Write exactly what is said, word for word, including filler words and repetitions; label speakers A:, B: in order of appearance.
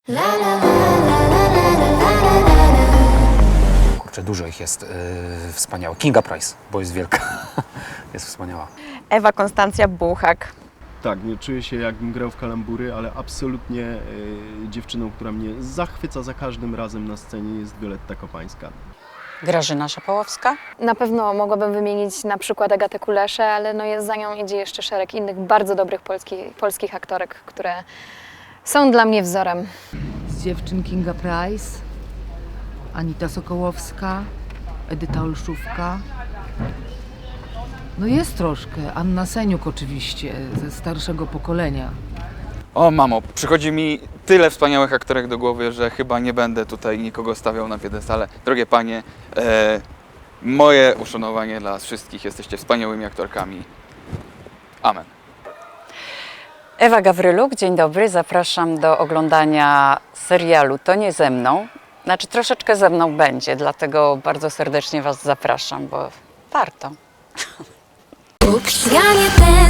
A: Kurczę, dużo ich jest yy, wspaniałych. Kinga Price, bo jest wielka. Jest wspaniała.
B: Ewa Konstancja Buchak.
C: Tak, nie czuję się jakbym grał w kalambury, ale absolutnie y, dziewczyną, która mnie zachwyca za każdym razem na scenie, jest Violetta Kopańska.
D: Grażyna Szapołowska.
E: Na pewno mogłabym wymienić na przykład Agatę Kuleszę, ale no jest, za nią idzie jeszcze szereg innych bardzo dobrych polski, polskich aktorek, które są dla mnie wzorem.
F: Z dziewczyn Kinga Price, Anita Sokołowska, Edyta Olszówka. No jest troszkę. Anna Seniuk oczywiście, ze starszego pokolenia.
G: O mamo, przychodzi mi tyle wspaniałych aktorek do głowy, że chyba nie będę tutaj nikogo stawiał na piedestale. Drogie panie, e, moje uszanowanie dla wszystkich, jesteście wspaniałymi aktorkami. Amen.
D: Ewa Gawryluk, dzień dobry. Zapraszam do oglądania serialu To nie ze mną. Znaczy troszeczkę ze mną będzie, dlatego bardzo serdecznie Was zapraszam, bo warto.
H: Bóg świanie ten